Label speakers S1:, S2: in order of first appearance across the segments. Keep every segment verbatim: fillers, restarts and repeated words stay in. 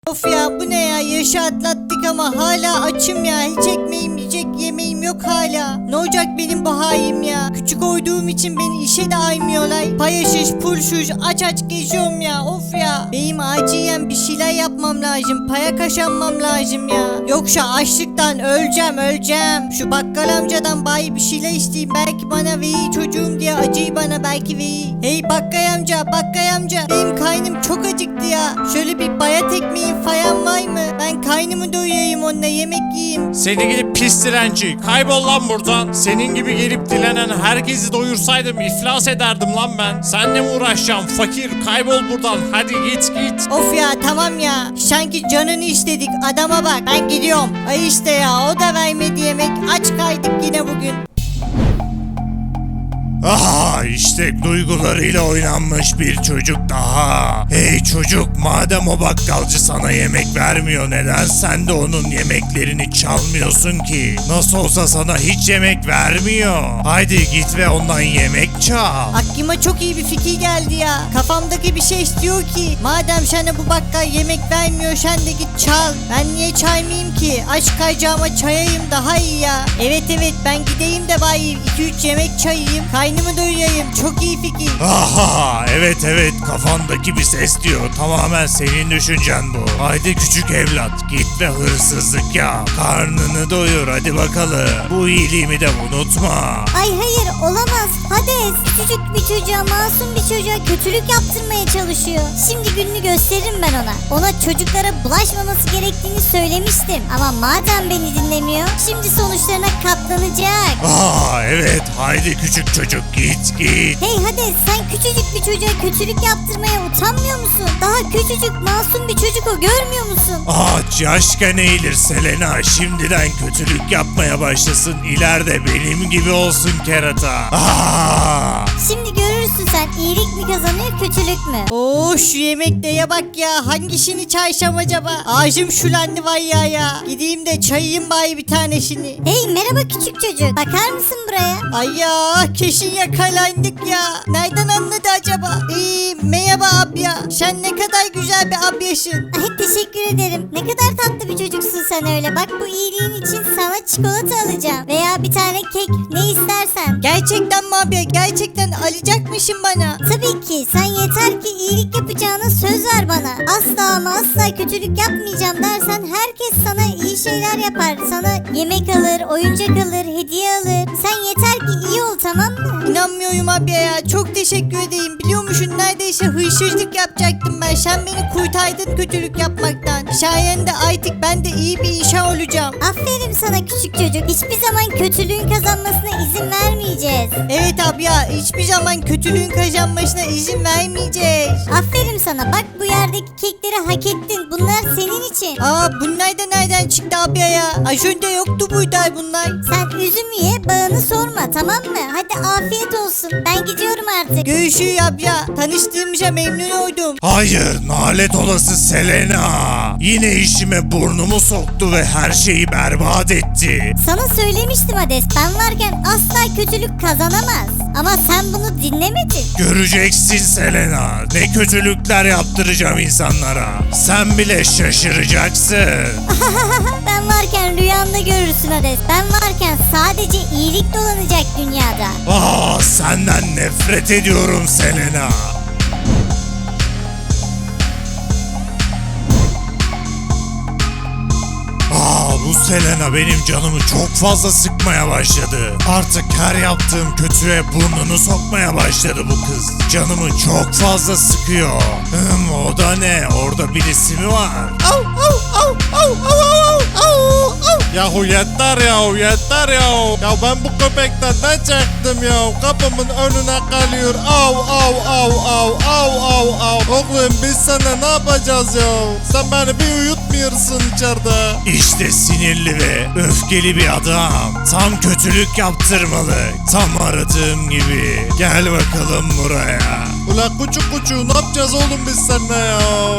S1: Of ya, bu ne ya, yaşı atlattık ama hala açım ya. Hiç ekmeğim yiyecek yemeğim yok hala. Ne olacak benim bu halim ya. Küçük olduğum için beni işe de aymıyorlar. Payaşış pulşuş aç aç geziyorum ya. Of ya, benim acilen bir şeyler yapmam lazım. Paya kazanmam lazım ya. Yoksa açlıktan öleceğim öleceğim. Şu bakkal amcadan bayi bir şeyler isteyeyim. Belki bana verir çocuğum diye acıyı bana belki verir. Hey bakkal amca, bakkal amca, benim karnım çok acıktı ya. Şöyle bir bayat ekmeği falan var mı? Ben kaynımı doyurayım, onunla yemek yiyeyim.
S2: Seni gidip pis dilenci. Kaybol lan buradan. Senin gibi gelip dilenen herkesi doyursaydım iflas ederdim lan ben. Seninle mi uğraşacağım fakir? Kaybol buradan. Hadi git git.
S1: Of ya, tamam ya. Sanki canını istedik. Adama bak. Ben gidiyorum. Ay işte ya, o da vermedi yemek. Aç kaydık yine bugün.
S3: Aha, işte duygularıyla oynanmış bir çocuk daha. Hey çocuk, madem o bakkalcı sana yemek vermiyor, neden sen de onun yemeklerini çalmıyorsun ki? Nasıl olsa sana hiç yemek vermiyor. Haydi git ve ondan yemek çal.
S1: Aklıma çok iyi bir fikir geldi ya. Kafamdaki bir şey istiyor ki, madem sana bu bakkal yemek vermiyor, sen de git çal. Ben niye çaymayayım ki? Aç kayacağıma çayayım daha iyi ya. Evet evet, ben gideyim de bayım iki üç yemek çayayım. Kaynımı doyurayım. Çok iyi fikir.
S3: Aha, evet evet, kafandaki bir ses diyor. Tamamen senin düşüncen bu. Haydi küçük evlat, git ve hırsızlık yap. Karnını doyur hadi bakalım. Bu iyiliğimi de unutma.
S4: Ay hayır, olamaz. Hades küçücük bir çocuğa, masum bir çocuğa kötülük yaptırmaya çalışıyor. Şimdi gününü gösteririm ben ona. Ona çocuklara bulaşmaması gerektiğini söylemiştim. Ama madem beni dinlemiyor, şimdi sonuçlarına katlanacak.
S3: Aa evet, haydi küçük çocuk, git git.
S4: Hey Hades, sen küçücük bir çocuğa kötülük yaptırmaya utanmıyor musun? Daha küçücük masum bir çocuk o, görmüyor musun?
S3: Ağaç yaşken eğilir Selena, şimdiden kötülük yapmaya başlasın, ileride benim gibi olsun kerata. Aa!
S4: Şimdi görürsün sen, iyilik mi kazanıyor kötülük mü?
S1: Oo, şu yemeklere bak ya. Hangisini çaysam acaba? Ağzım şulandı var ya ya. Gideyim de çayayım bari bir tanesini.
S4: Hey merhaba küçük çocuk, bakar mısın buraya?
S1: Ay ya, kesin yakalandık ya. Nereden anladı acaba? Ee, merhaba abya. Sen ne kadar güzel bir abyasın.
S4: Ay teşekkür ederim. Ne kadar tatlı bir çocuksun sen öyle. Bak bu iyiliğin için sana çikolata alacağım. Veya bir tane kek, ne istersen.
S1: Gerçekten mi abya? Gerçekten alacakmışsın bana.
S4: Tabii ki, sen yeter ki iyilik yapacağına söz ver bana. Asla ama asla kötülük yapmayacağım dersen herkes sana iyi şeyler yapar. Sana yemek alır, oyuncak alır, hediye alır. Sen yeter ki iyi ol, tamam mı?
S1: İnanmıyorum abya ya. Çok teşekkür edeyim. Biliyor musun, neredeyse hırsızlık yapacaktım ben. Sen beni kurtardın kötülük yapmaktan. Sayende artık ben de iyi bir işe olacağım.
S4: Aferin sana küçük çocuk. Hiçbir zaman kötülüğün kazanmasına izin vermeyeceğiz.
S1: Evet abya, hiçbir zaman kötülüğün kazanmasına izin vermeyeceğiz.
S4: Aferin sana. Bak bu yerdeki kekleri hak ettin. Bunlar senin için.
S1: Aa, bunlar da nereden çıktı abya ya? Az önce yoktu burada bunlar.
S4: Sen üzüm ye, bağını sorma, tamam mı? Hadi afiyet olsun. Ben gidiyorum artık.
S1: Görüşürüz abya. Tanıştığımıza memnun oldum.
S3: Hayır, nalet olası Selena. Yine işime burnumu soktu ve her şeyi berbat etti.
S4: Sana söylemiştim Hades. Ben varken asla kötülük kazanamaz. Ama sen bunu dinlemedin.
S3: Göreceksin Selena. Ne kötülükler yaptıracağım insanlara. Sen bile şaşıracaksın.
S4: Ben varken rüyanda görürsün Hades. Ben varken sadece iyilik dolanacak dünyada.
S3: Aa, senden nefret ediyorum Selena. Aa, bu Selena benim canımı çok fazla sıkmaya başladı. Artık her yaptığım kötüye burnunu sokmaya başladı bu kız. Canımı çok fazla sıkıyor. Hım, o da ne? Orada birisi mi var? Au, au, au, au, au, au, au.
S2: Yahu yeter yahu yeter yahu. Ya ben bu köpekten ne çektim ya? Kapımın önüne kalıyor. Av av av av av av av. Oğlum biz sana ne yapacağız ya? Sen beni bir uyutmuyorsun içeride.
S3: İşte sinirli ve öfkeli bir adam. Tam kötülük yaptırmalı. Tam aradığım gibi. Gel bakalım buraya.
S2: Ulan kuçu kuçu ne yapacağız oğlum biz seninle ya?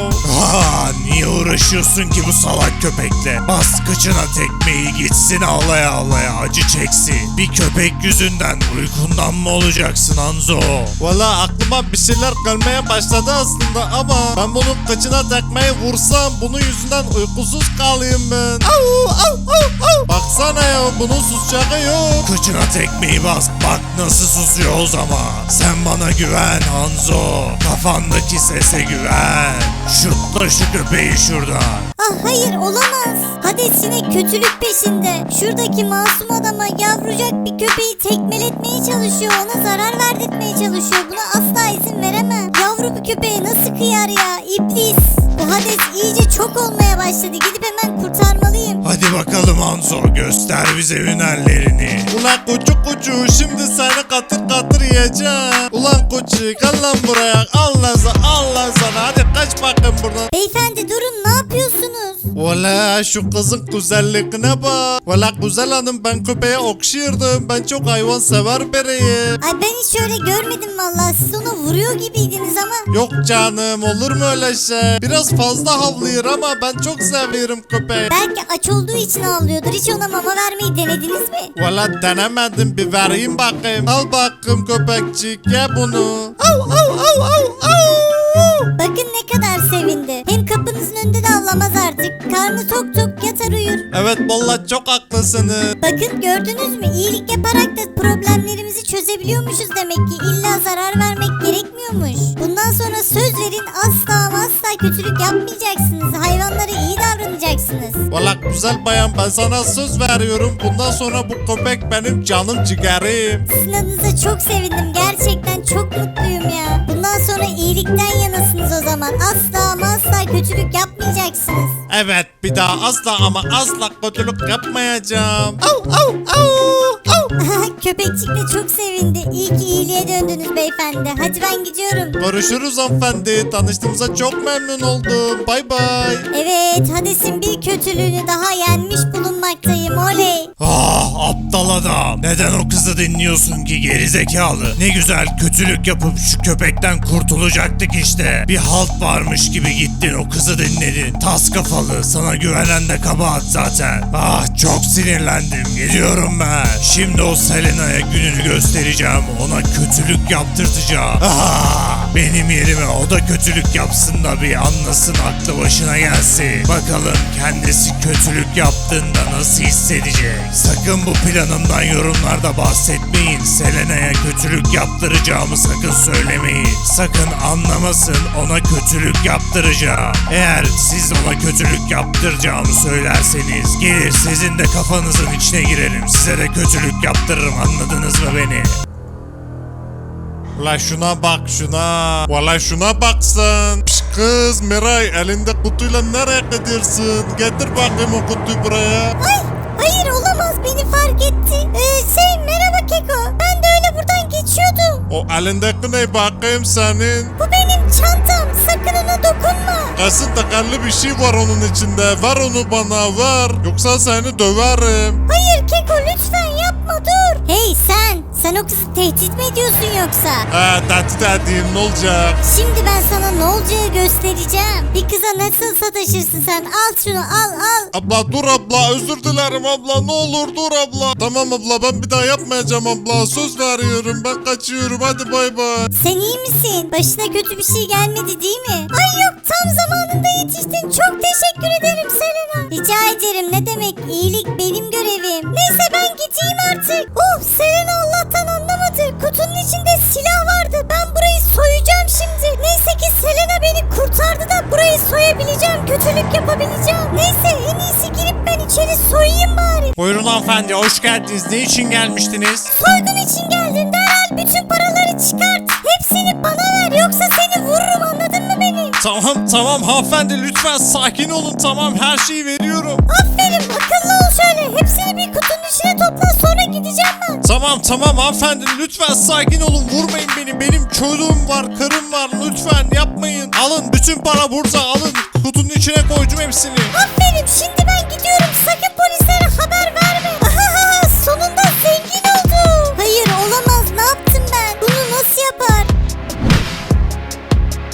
S3: Aa, niye uğraşıyorsun ki bu salak köpekle? Bas kıçına tekmeyi gitsin ağlaya ağlaya acı çeksin. Bir köpek yüzünden uykundan mı olacaksın Hanzo?
S2: Valla aklıma bir şeyler gelmeye başladı aslında ama ben bunun kıçına tekmeyi vursam bunun yüzünden uykusuz kalayım ben. Au, au, au, au. Baksana ya bunun susacağı yok.
S3: Kıçına tekmeyi bas bak nasıl susuyor o zaman. Sen bana güven Hanzo. Kafandaki sese güven. Şutla şu köpeği şuradan.
S4: Ah hayır olamaz. Hades yine kötülük peşinde. Şuradaki masum adama yavrucak bir köpeği tekmeletmeye çalışıyor. Ona zarar verdirtmeye çalışıyor. Buna asla izin veremem. Yavru bir köpeğe nasıl kıyar ya? İblis. Bu Hades iyice çok olmaya başladı. Gidip hemen kurtarmalıyım.
S3: Hadi bakalım Hanzo göster bize hünerlerini.
S2: Ulan kuçu kuçu şimdi seni katır katır yiyeceğim. Ulan kuçu gel lan buraya. Allah sana Allah sana hadi kaç bakayım buradan.
S4: Beyefendi durun ne yapıyorsunuz?
S2: Valla şu kızın güzelliğine bak. Valla güzel hanım ben köpeğe okşuyordum. Ben çok hayvan sever biriyim.
S4: Ay ben hiç öyle görmedim vallahi. Siz onu vuruyor gibiydiniz ama.
S2: Yok canım olur mu öyle şey? Biraz fazla havlıyor ama ben çok seviyorum köpeği.
S4: Belki aç olduğu için ağlıyordur. Hiç ona mama vermeyi denediniz mi?
S2: Valla denemedim bir vereyim bakayım. Al bakayım köpekçik ye bunu. Au au au au au.
S4: Bakın ne kadar sevindi. Hem kapınızın önünde de ağlamaz artık. Karnı tok tok yatar uyur.
S2: Evet valla çok haklısınız.
S4: Bakın gördünüz mü? İyilik yaparak da problemlerimizi çözebiliyormuşuz demek ki. İlla zarar vermek gerekmiyormuş. Bundan sonra söz verin asla ama asla kötülük yapmayacaksınız. Hayvanlara iyi davranacaksınız.
S2: Valla güzel bayan ben sana söz veriyorum. Bundan sonra bu köpek benim canım ciğerim.
S4: Sizin adınıza çok sevindim. Gerçekten çok mutluyum ya. Bundan sonra iyilikten yanasınız o zaman. Asla ama asla kötülük yapmayacaksınız.
S2: Evet bir daha asla ama asla kötülük yapmayacağım. Au au au au.
S4: Köpekçik de çok sevindi. İyi ki iyiliğe döndünüz beyefendi. Hadi ben gidiyorum.
S2: Görüşürüz hanımefendi. Tanıştığımıza çok memnun oldum. Bay bay.
S4: Evet, Hades'in bir kötülüğünü daha yenmiş bulunmaktayım. Oley.
S3: Ah aptal adam. Neden o kızı dinliyorsun ki gerizekalı? Ne güzel kötülük yapıp şu köpekten kurtulacaktık işte. Bir halt varmış gibi gittin o kızı dinledin. Tas kafalı sana güvenen de kabahat zaten. Ah çok sinirlendim gidiyorum ben. Şimdi o Selena'ya gününü göstereceğim. Ona kötülük yaptırtacağım. Ah, benim yerime o da kötülük yapsın da bir anlasın aklı başına gelsin. Bakalım kendisi kötülük yaptığında nasıl hissedecek. Sakın bu planımdan yorumlarda bahsetmeyin. Selena'ya kötülük yaptıracağımı sakın söylemeyin. Sakın anlamasın ona kötülük yaptıracağım. Eğer siz ona kötülük yaptıracağımı söylerseniz gelir sizin de kafanızın içine girerim. Size de kötülük yaptırırım anladınız mı beni?
S2: La şuna bak şuna. Valla şuna baksın. Piş kız Miray elinde kutuyla nereye gidiyorsun? Getir bakayım o kutuyu buraya.
S4: Ay, hayır olamaz beni fark etti. Ee, şey merhaba Keko. Ben de öyle buradan geçiyordum.
S2: O elindeki ne bakayım senin?
S4: Bu benim çantam. Sakın ona dokunma.
S2: Kesin takarlı bir şey var onun içinde. Ver onu bana ver. Yoksa seni döverim.
S4: Hayır Keko lütfen yapma dur. Hey sen. Sen o kızı tehdit mi ediyorsun yoksa?
S2: He tehdit edeyim ne olacak?
S4: Şimdi ben sana ne olacağı göstereceğim. Bir kıza nasıl sataşırsın sen? Al şunu al al.
S2: Abla dur abla özür dilerim abla ne olur dur abla. Tamam abla ben bir daha yapmayacağım abla söz veriyorum ben kaçıyorum hadi bay bay.
S4: Sen iyi misin? Başına kötü bir şey gelmedi değil mi? Ay yok tam zamanında yetiştin. Çok teşekkür ederim Selena. Rica ederim ne demek iyilik benim görevim. Neyse ben gideyim artık. Oh Selena Allah'tan anlamadı. Kutunun içinde silah vardı. Ben burayı soyacağım şimdi. Neyse ki Selena beni kurtardı da burayı soyabileceğim. Kötülük yapabileceğim. Neyse en iyisi girip ben içeri soyayım bari.
S3: Buyurun hanımefendi hoş geldiniz. Ne için gelmiştiniz?
S4: Soygun için geldin derhal bütün paraları çıkart. Hepsini bana ver yoksa seni vururum anladın mı beni?
S2: Tamam tamam hanımefendi lütfen sakin olun tamam her şeyi veriyorum.
S4: Aferin akıllı ol şöyle. Hepsini bir kutunun içine topla sonra gideceğim ben.
S2: Tamam tamam hanımefendi lütfen sakin olun vurmayın beni benim çocuğum var karım var lütfen yapmayın. Alın bütün para burada alın kutunun içine koydum hepsini.
S4: Aferin şimdi ben gidiyorum. Sakın polislere haber verme. Ahaha sonunda zengin oldum. Hayır olamaz ne yaptım ben? Bunu nasıl yapar?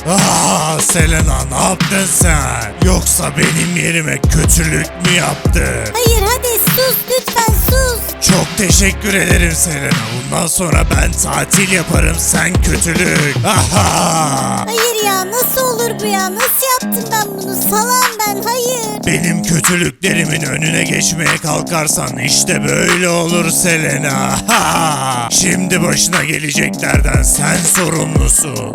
S3: Ah Selena, ne yaptın sen? Yoksa benim yerime kötülük mü yaptın?
S4: Hayır Hades sus lütfen sus.
S3: Çok teşekkür ederim Selena. Bundan sonra ben tatil yaparım, sen kötülük. Aha!
S4: Hayır ya nasıl olur bu ya? Nasıl yaptım ben bunu? Salam ben hayır.
S3: Benim kötülüklerimin önüne geçmeye kalkarsan işte böyle olur Selena. Ha! Şimdi başına geleceklerden sen sorumlusun.